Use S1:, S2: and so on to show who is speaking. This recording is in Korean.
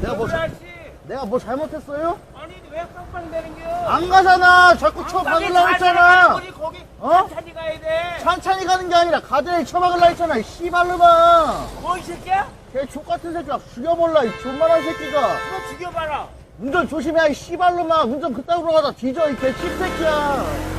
S1: 내가 뭐 잘못했어요?
S2: 아니 왜 깜빡 내는겨?
S1: 안 가잖아. 자꾸 쳐박으려고 했잖아.
S2: 거기
S1: 어?
S2: 천천히 가야 돼.
S1: 천천히 가는 게 아니라 가드레일 쳐박으려고 했잖아. 이 씨발놈아.
S2: 뭐 이 새끼야?
S1: 걔 족같은 새끼가 죽여볼라. 이 존만한 새끼가.
S2: 너 죽여봐라.
S1: 운전 조심해. 이 씨발놈아. 운전 그따구로 가다 뒤져. 이 개 씹새끼야.